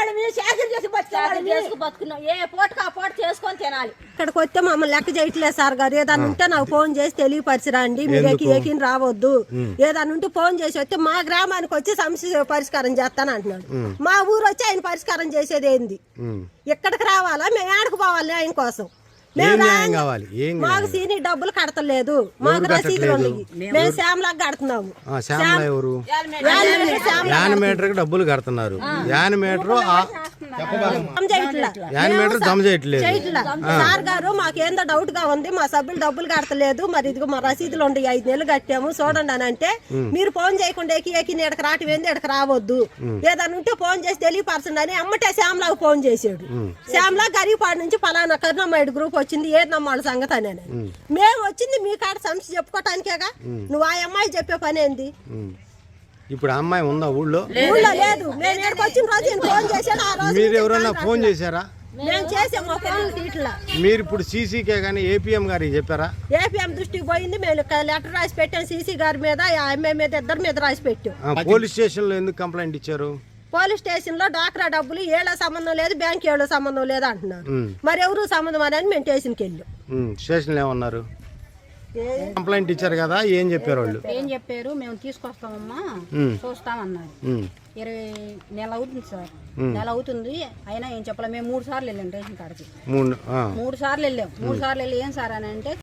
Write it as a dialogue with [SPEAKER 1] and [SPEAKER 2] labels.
[SPEAKER 1] వాళ్ళని శాఖలు చేసి బతుకున్నాం. ఏ పూటకు ఆ పూట చేసుకొని తినాలి.
[SPEAKER 2] ఇక్కడికి వస్తే మమ్మల్ని లెక్క చేయట్లేదు సార్ గారు. ఏదన్నా ఉంటే నాకు ఫోన్ చేసి తెలియపరిచిరండి, మీరు ఏకిని రావద్దు. ఏదన్నా ఉంటే ఫోన్ చేసి వస్తే మా గ్రామానికి వచ్చి సమస్య పరిష్కారం చేస్తాను అంటున్నాడు. మా ఊరు వచ్చి ఆయన పరిష్కారం చేసేది ఏంది? ఇక్కడికి రావాలా, మేము ఏడకు పోవాలి ఆయన కోసం? మాకు సీని డబ్బులు కడతలేదు, మాకు రసీదులు ఉన్నాయి. మేము శ్యామలాగా కడుతున్నాము.
[SPEAKER 3] యానిమేటర్ డబ్బులు కడుతున్నారు. యానిమేటర్ జమ చేయట్లేదు.
[SPEAKER 2] సార్ గారు మాకేందో డౌట్ గా ఉంది, మా సభ్యులు డబ్బులు కడతలేదు, మరి ఇదిగో మా రసీదులు ఉండి 5 నెలలు కట్టాము చూడండి అని అంటే, మీరు ఫోన్ చేయకుండా ఏకి ఎడకి రావటం ఏంది, ఎడకి రావద్దు, ఏదన్నా ఉంటే ఫోన్ చేసి తెలియపరచండి అని అమ్మటే శ్యామలాగా ఫోన్ చేసాడు. శ్యామలా గరీపాడు నుంచి పలానా కరుణమ్మాయిడు గ్రూప్ వచ్చింది, ఏది నమ్మాళ్ళ సంగతి అని. మేము వచ్చింది మీ కాడ సమస్య చెప్పుకోవటానికేగా. నువ్వు ఆ అమ్మాయి చెప్పే పని ఏంది?
[SPEAKER 3] ఇప్పుడు అమ్మాయి ఉందా ఊళ్ళో?
[SPEAKER 2] ఊళ్ళో లేదు. మేము ఇక్కడికి వచ్చిన రోజు ఫోన్ చేశాడు. ఆ రోజు
[SPEAKER 3] మీరు ఎవరన్నా ఫోన్ చేశారా?
[SPEAKER 2] మేము చేసాము ఫోన్ తీట్లా.
[SPEAKER 3] మీరు ఇప్పుడు సీసీకే కానీ ఏపీఎం గారికి చెప్పారా?
[SPEAKER 2] ఏపీఎం దృష్టికి పోయింది. మేము లెటర్ రాసి పెట్టాం సీసీ గారి మీద, ఎంఏ మీద, ఇద్దరి మీద రాసి పెట్టాం.
[SPEAKER 3] పోలీస్ స్టేషన్ లో ఎందుకు కంప్లైంట్ ఇచ్చారు?
[SPEAKER 2] పోలీస్ స్టేషన్ లో డాక్రా డబ్బులు ఏళ్ళ సంబంధం లేదు, బ్యాంక్ ఏళ్ళ సంబంధం లేదు అంటున్నారు. మరి ఎవరు సంబంధం అని మేము స్టేషన్కి వెళ్ళాం.
[SPEAKER 3] స్టేషన్ లో ఏమన్నారు? కంప్లైంట్ ఇచ్చారు కదా, ఏం చెప్పారు వాళ్ళు?
[SPEAKER 4] ఏం చెప్పారు, మేము తీసుకొస్తామమ్మా చూస్తామన్నారు. 20 నెలలు అవుతుంది సార్, నెల అవుతుంది అయినా ఏం చెప్పలే. మేము 3 సార్లు వెళ్ళాం రేషన్ కాడికి. 3 సార్లు వెళ్ళాం. 3 సార్లు వెళ్ళి ఏం సార్ అని అంటే